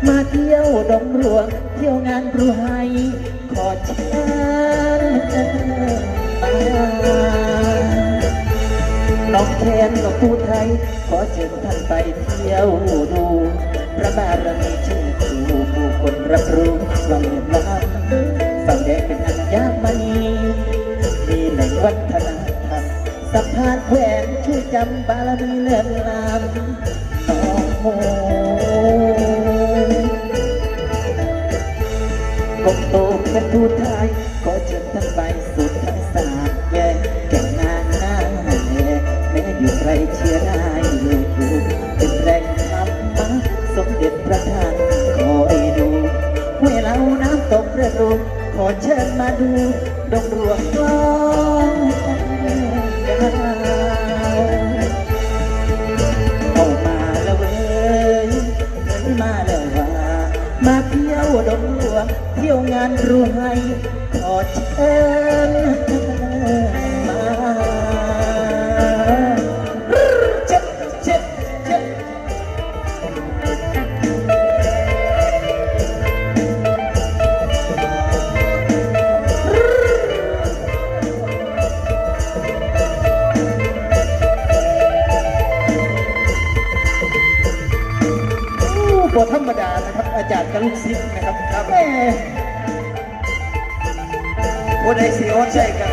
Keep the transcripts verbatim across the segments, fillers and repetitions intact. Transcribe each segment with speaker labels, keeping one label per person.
Speaker 1: มาเที่ยวดงหลวงเที่ยวงานรวยขอเชิญมาน้องแคนกับผู้ไทยขอเชิญท่านไปเที่ยวดูพระบารมีชื่อครูผู้คนรับรู้ว่าเมืองล้ำฝั่งแดงเป็นอัญญมณีมีแหล่งวัฒนธรรมสะพานแขวนช่วยจำบารมีเลื่อนลำน้องโมกบโตเป็นผู้ไทยขอเชิญท่านไปสุดทั้งสามแยกแก่งนางหน้าแม่แม้อยู่ใครเชียร์ได้ลูกอยู่เป็นแรงธรรมะสมเด็จพระท่านคอยดูห้วยเหลาน้ำตกเรือรูขอเชิญมาดูดงหลวงกลองดาวเอามาแล้วเว้ยเงินมาแล้วว่ามาเที่ยวดงหลวงเที่ยวงานรวยขอเชิญมาเจ็บเจ็บเจ็บบทธรรมดานะครับอาจารย์กับลูกศิษย์นะครับครับแม่คนไอซีโอใช่กัน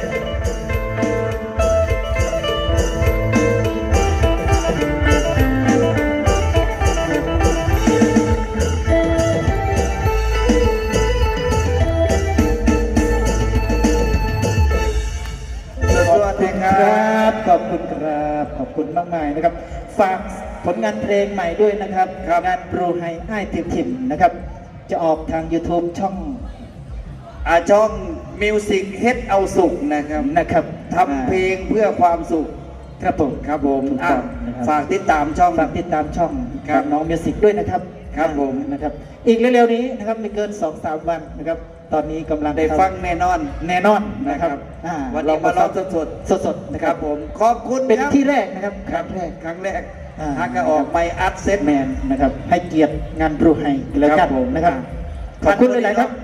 Speaker 1: สวัสดีครับขอบคุณครับขอบคุณมากมายนะครับฝากผลงานเพลงใหม่ด้วยนะครับงานปรูไฮไอ้ติวทิมนะครับจะออกทาง YouTube ช่องอาช่องมิวสิกเฮ็ดเอาสุขนะครับนะครับทำเพลงเพื่อความสุขครับผมครับผมฝากติดตามช่องฝากติดตามช่องกับน้องมิวสิกด้วยนะครับครับผมนะครับอีกเร็วๆนี้นะครับไม่เกิน สองสาม วันนะครับตอนนี้กำลังได้ฟังแน่นอนแน่นอนนะครับวันนี้มาลองสดๆสดๆนะครับผมขอบคุณเป็นที่แรกนะครับครั้งแรกครั้งแรกทางก็ออกไมอัดเซตแมนนะครับให้เกียรติงานปรูไฮแล้วกันนะครับขอบคุณหลายๆครับ